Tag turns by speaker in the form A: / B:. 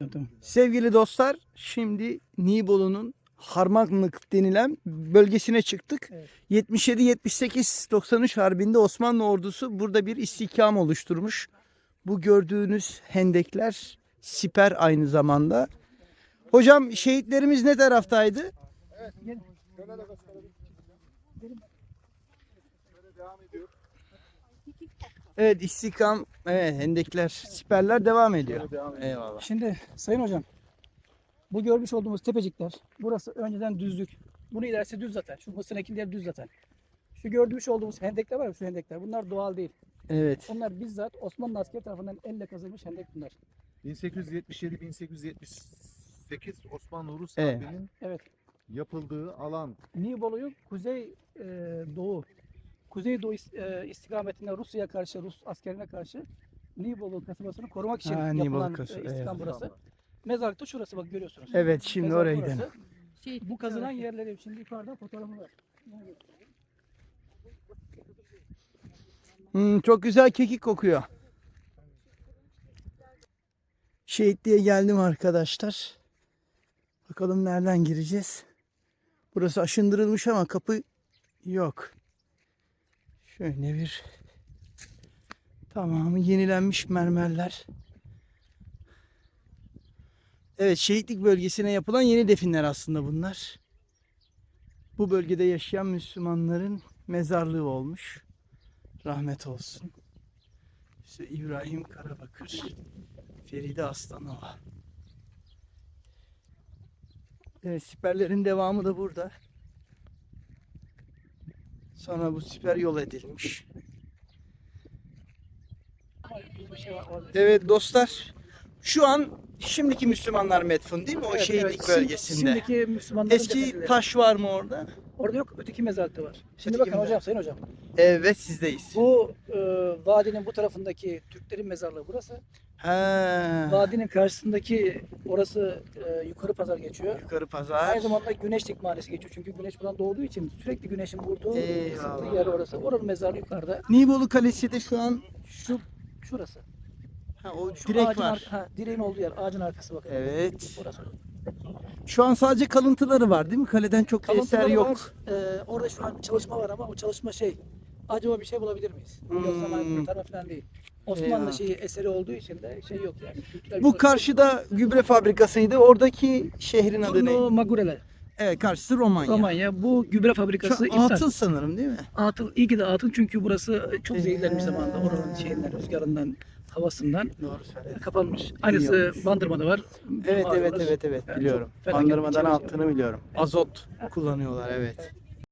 A: Tamam.
B: Sevgili dostlar, şimdi Nibolu'nun Harmanlık denilen bölgesine çıktık.
A: Evet.
B: 77-78-93 Harbi'nde Osmanlı ordusu burada bir istihkam oluşturmuş. Bu gördüğünüz hendekler siper aynı zamanda. Hocam şehitlerimiz ne taraftaydı? Evet, istihkam, evet, hendekler, siperler devam ediyor. Eyvallah.
A: Şimdi Sayın Hocam, bu görmüş olduğumuz tepecikler, burası önceden düzlük. Bunu ilerisi düz zaten. Şu mısır ekinleri düz zaten. Şu gördüğümüz olduğumuz hendekler var ya, şu hendekler. Bunlar doğal değil.
B: Evet.
A: Onlar bizzat Osmanlı askeri tarafından elle kazılmış hendek bunlar.
C: 1877-1878 Osmanlı Rus
B: Evet.
C: Harbi'nin
A: Evet.
C: yapıldığı alan.
A: Nibolu'yu doğu, kuzeydoğu istikametinde Rusya'ya karşı, Rus askerine karşı Nibolu kasabasını korumak için
B: Ha, Nibolu
A: yapılan
B: kasabası,
A: istikam
B: evet.
A: burası. Mezarlıkta şurası, bak görüyorsunuz.
B: Evet, şimdi
A: Mezarlık
B: oraya
A: burası.
B: gidelim.
A: Bu kazılan yerleri şimdi yukarıda fotoğrafı var.
B: Çok güzel kekik kokuyor. Şehitliğe geldim arkadaşlar. Bakalım nereden gireceğiz. Burası aşındırılmış ama kapı yok. Şöyle bir tamamı yenilenmiş mermerler. Evet, şehitlik bölgesine yapılan yeni definler aslında bunlar. Bu bölgede yaşayan Müslümanların mezarlığı olmuş. Rahmet olsun. İşte İbrahim Karabakır, Feride Aslanova. Evet, siperlerin devamı da burada. Sonra bu siper yol edilmiş. Evet dostlar, şu an şimdiki Müslümanlar metfun değil mi? O
A: Evet,
B: şehitlik
A: evet.
B: bölgesinde.
A: Şimdiki Müslümanların
B: Eski
A: cephesileri.
B: taş var mı orada?
A: Orada yok, öteki mezarlıkta var. Şimdi
B: Öteki
A: bakın
B: mezarlık.
A: hocam, Sayın Hocam.
B: Evet, sizdeyiz.
A: Bu vadinin bu tarafındaki Türklerin mezarlığı burası.
B: Ha,
A: Vadinin karşısındaki orası yukarı pazar geçiyor.
B: yukarı pazar.
A: Aynı zamanda Güneşlik Mahallesi geçiyor. Çünkü güneş buradan doğduğu için sürekli güneşin vurduğu,
B: Eyvallah.
A: ısıttığı yer orası. Oranın mezarlığı yukarıda.
B: Nibolu Kalesi de şu an
A: Şurası.
B: o
A: Şu
B: direk
A: ağacın
B: var.
A: direğin olduğu yer. Ağacın arkası bakın.
B: Evet.
A: Orası.
B: Şu an sadece kalıntıları var değil mi? Kaleden çok bir eser
A: Kalıntıları
B: yok.
A: var. Orada şu an çalışma var ama o çalışma acaba bir şey bulabilir miyiz? Yoksa kurtarma falan değil. Osmanlı
B: Eyvah.
A: eseri olduğu için de yok yani. Kültürel
B: Bu
A: bir-
B: karşıda gübre fabrikasıydı. Oradaki şehrin adı
A: Brno
B: ne?
A: Magureler.
B: Evet, karşısı Romanya.
A: Romanya. Bu gübre
B: Şu
A: fabrikası
B: an
A: iptal.
B: atıl sanırım değil mi?
A: Atıl, iyi ki de atıl çünkü burası çok zehirlenmiş zamanında. Oranın rüzgarından, havasından
B: Doğru söyledin.
A: kapanmış. Aynısı
B: olmuş.
A: Bandırma'da var.
B: Evet,
A: Mağaralar.
B: evet
A: Yani
B: biliyorum.
A: çok felaket
B: Bandırmadan
A: bir şey.
B: altını biliyorum. Azot kullanıyorlar, evet.